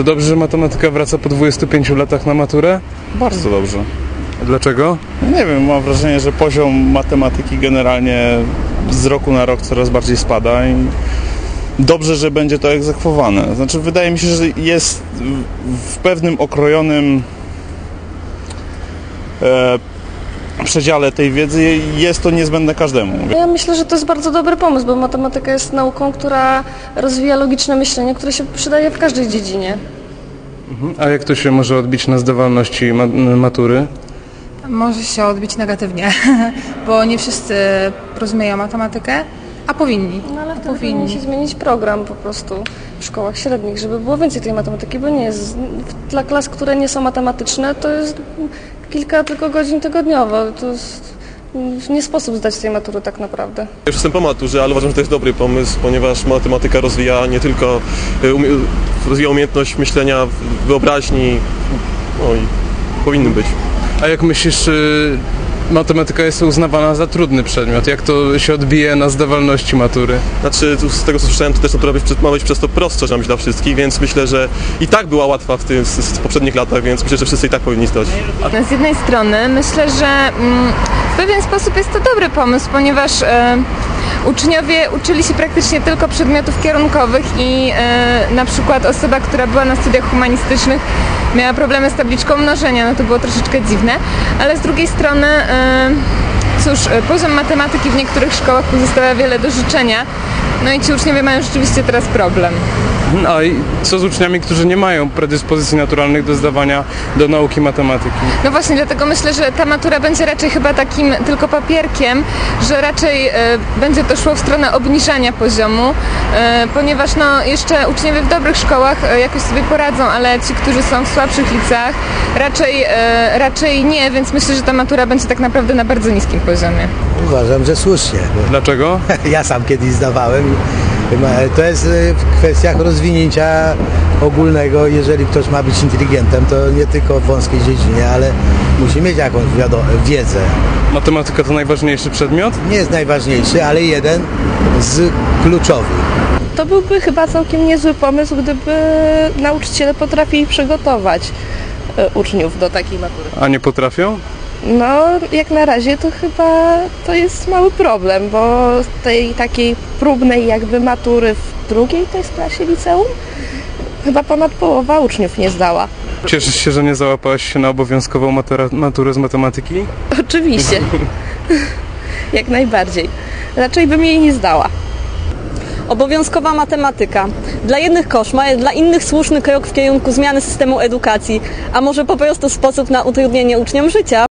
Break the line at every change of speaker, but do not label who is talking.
To dobrze, że matematyka wraca po 25 latach na maturę?
Bardzo dobrze.
A dlaczego?
Nie wiem, mam wrażenie, że poziom matematyki generalnie z roku na rok coraz bardziej spada i dobrze, że będzie to egzekwowane. Znaczy, wydaje mi się, że jest w pewnym okrojonym przedziale tej wiedzy, jest to niezbędne każdemu.
Ja myślę, że to jest bardzo dobry pomysł, bo matematyka jest nauką, która rozwija logiczne myślenie, które się przydaje w każdej dziedzinie.
A jak to się może odbić na zdawalności matury?
Może się odbić negatywnie, bo nie wszyscy rozumieją matematykę, a powinni.
No ale wtedy powinien się zmienić program po prostu w szkołach średnich, żeby było więcej tej matematyki, bo nie jest, dla klas, które nie są matematyczne, to jest kilka tylko godzin tygodniowo. To jest nie sposób zdać tej matury tak naprawdę.
Już jestem po maturze, ale uważam, że to jest dobry pomysł, ponieważ matematyka rozwija nie tylko rozwija umiejętność myślenia, wyobraźni, no i powinny być.
A jak myślisz, czy matematyka jest uznawana za trudny przedmiot? Jak to się odbije na zdawalności matury?
Znaczy, z tego co słyszałem, to też natura ma być przez to prostsza dla wszystkich, więc myślę, że i tak była łatwa w poprzednich latach, więc myślę, że wszyscy i tak powinni zdać.
Z jednej strony myślę, że w pewien sposób jest to dobry pomysł, ponieważ uczniowie uczyli się praktycznie tylko przedmiotów kierunkowych i na przykład osoba, która była na studiach humanistycznych, miała problemy z tabliczką mnożenia, no to było troszeczkę dziwne, ale z drugiej strony cóż, poziom matematyki w niektórych szkołach pozostawia wiele do życzenia, no i ci uczniowie mają rzeczywiście teraz problem.
A i co z uczniami, którzy nie mają predyspozycji naturalnych do zdawania do nauki matematyki?
No właśnie, dlatego myślę, że ta matura będzie raczej chyba takim tylko papierkiem, że raczej będzie to szło w stronę obniżania poziomu, ponieważ no, jeszcze uczniowie w dobrych szkołach jakoś sobie poradzą, ale ci, którzy są w słabszych liceach, raczej nie, więc myślę, że ta matura będzie tak naprawdę na bardzo niskim poziomie.
Uważam, że słusznie.
Dlaczego?
Ja sam kiedyś zdawałem. To jest w kwestiach rozwinięcia ogólnego. Jeżeli ktoś ma być inteligentem, to nie tylko w wąskiej dziedzinie, ale musi mieć jakąś wiedzę.
Matematyka to najważniejszy przedmiot?
Nie jest najważniejszy, ale jeden z kluczowych.
To byłby chyba całkiem niezły pomysł, gdyby nauczyciele potrafili przygotować uczniów do takiej matury.
A nie potrafią?
No, jak na razie to chyba to jest mały problem, bo tej takiej próbnej jakby matury w drugiej to jest klasie liceum chyba ponad połowa uczniów nie zdała.
Cieszysz się, że nie załapałaś się na obowiązkową maturę z matematyki?
Oczywiście. Jak najbardziej. Raczej bym jej nie zdała.
Obowiązkowa matematyka. Dla jednych koszmar, dla innych słuszny krok w kierunku zmiany systemu edukacji, a może po prostu sposób na utrudnienie uczniom życia.